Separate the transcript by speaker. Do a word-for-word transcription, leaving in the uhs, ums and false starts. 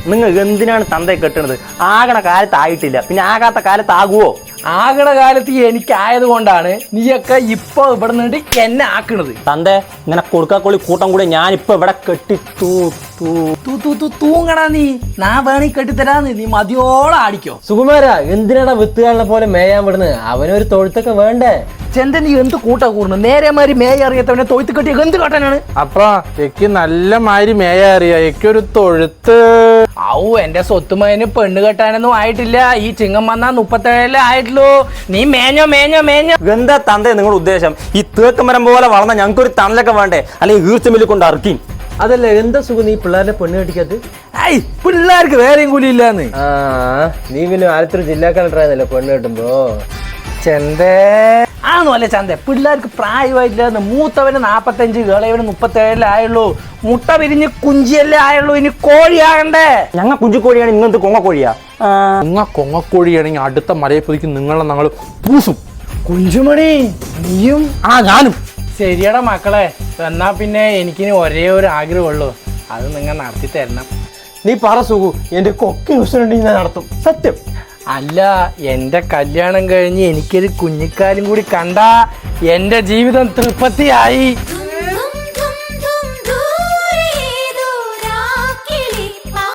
Speaker 1: നിങ്ങൾ എന്തിനാണ് തന്തയെ കെട്ടണത്? ആകണ കാലത്ത് ആയിട്ടില്ല, പിന്നെ ആകാത്ത കാലത്ത് ആകുവോ?
Speaker 2: ആകണ കാലത്ത് എനിക്കായത് കൊണ്ടാണ് നീയൊക്കെ ഇപ്പൊ ഇവിടെ നിന്നിട്ട് എന്നെ ആക്കണത്.
Speaker 1: തന്തേ ഇങ്ങനെ കൊടുക്കാക്കൊള്ളി കൂട്ടം കൂടെ ഞാനിപ്പോ ഇവിടെ കെട്ടി തൂ തൂ
Speaker 2: തൂ തൂ തൂ തൂങ്ങടാ നീ. നാ വേണി കെട്ടിത്തരാന്ന്, നീ മതിയോളം ആടിക്കോ.
Speaker 3: സുകുമാര, എന്തിനാടാ വിത്തുകാരനെ പോലെ മേയാൻ വിടുന്നത്? അവനൊരു തൊഴുത്തൊക്കെ വേണ്ടേ?
Speaker 2: ചെന്ത നീ എന്ത് കൂട്ടാ കൂടുന്നു? നേരെ മാതിരി മേയ അറിയാത്തവനെ തൊഴുത്ത് കെട്ടിയ എന്ത് കാട്ടാനാണ്?
Speaker 4: അപ്പൊ എനിക്ക് നല്ല മാതിരി മേയ അറിയാം, എനിക്കൊരു തൊഴുത്ത്.
Speaker 2: ഔ, എന്റെ സ്വത്തുമതിന് പെണ്ണ് കെട്ടാനൊന്നും ആയിട്ടില്ല. ഈ ചിങ്ങം വന്നാ മുപ്പത്തേഴല്ലേ ആയിട്ടുള്ളൂ. നീ മേഞ്ഞോ മേഞ്ഞോ മേഞ്ഞോ.
Speaker 1: എന്താ തന്തേ നിങ്ങളുടെ ഉദ്ദേശം? ഈ തേക്കമരം പോലെ വളർന്ന ഞങ്ങൾക്കൊരു തണലൊക്കെ വേണ്ടേ? അല്ലെങ്കിൽ ഈർച്ചമില്ല് കൊണ്ട് അറക്കി.
Speaker 3: അതല്ല, എന്താ സുഖം നീ പിള്ളേരെ പെണ്ണ് കെട്ടിക്കത്?
Speaker 2: ഐ, പിള്ളേർക്ക് വേറെയും കൂലി ഇല്ലാന്ന്.
Speaker 3: ആ, നീ പിന്നെ ആലത്തൂർ ജില്ലാ കളക്ടറായിരുന്നല്ലോ പെണ്ണ് കെട്ടുമ്പോ.
Speaker 2: ചെന്തേ ആണോ അല്ലേ ചന്ത? പിള്ളേർക്ക് പ്രായമായിട്ടില്ലാന്ന്. മൂത്തവന് നാപ്പത്തഞ്ച്, ഇളയവന് മുപ്പത്തേഴല്ലേ ആയുള്ളൂ. മുട്ട വിരിഞ്ഞ് കുഞ്ചിയല്ലേ ആയുള്ളൂ. ഇനി കോഴിയാകണ്ടേ?
Speaker 1: ഞങ്ങൾ കുഞ്ചിക്കോഴിയാണ്, ഇങ്ങനത്തെ കൊങ്ങക്കോഴിയാ.
Speaker 4: നിങ്ങ കൊങ്ങക്കോഴിയാണെങ്കിൽ അടുത്ത മലയപ്പൊതിക്ക് നിങ്ങളെ ഞങ്ങൾ പൂസും.
Speaker 2: കുഞ്ചുമണി, നീയും?
Speaker 4: ആ, ഞാനും.
Speaker 2: ശരിയടാ മക്കളെ, എന്നാ പിന്നെ എനിക്കിനി ഒരേ ഒരു ആഗ്രഹമുള്ളൂ, അത് നിങ്ങൾ നടത്തി തരണം.
Speaker 3: നീ പറ സുഖു, എന്റെ കൊക്കി ഉണ്ടെങ്കിൽ ഞാൻ നടത്തും, സത്യം.
Speaker 2: അല്ല, എൻ്റെ കല്യാണം കഴിഞ്ഞ് എനിക്കൊരു കുഞ്ഞിക്കാലും കൂടി കണ്ടാ എൻ്റെ ജീവിതം തൃപ്തിയായി.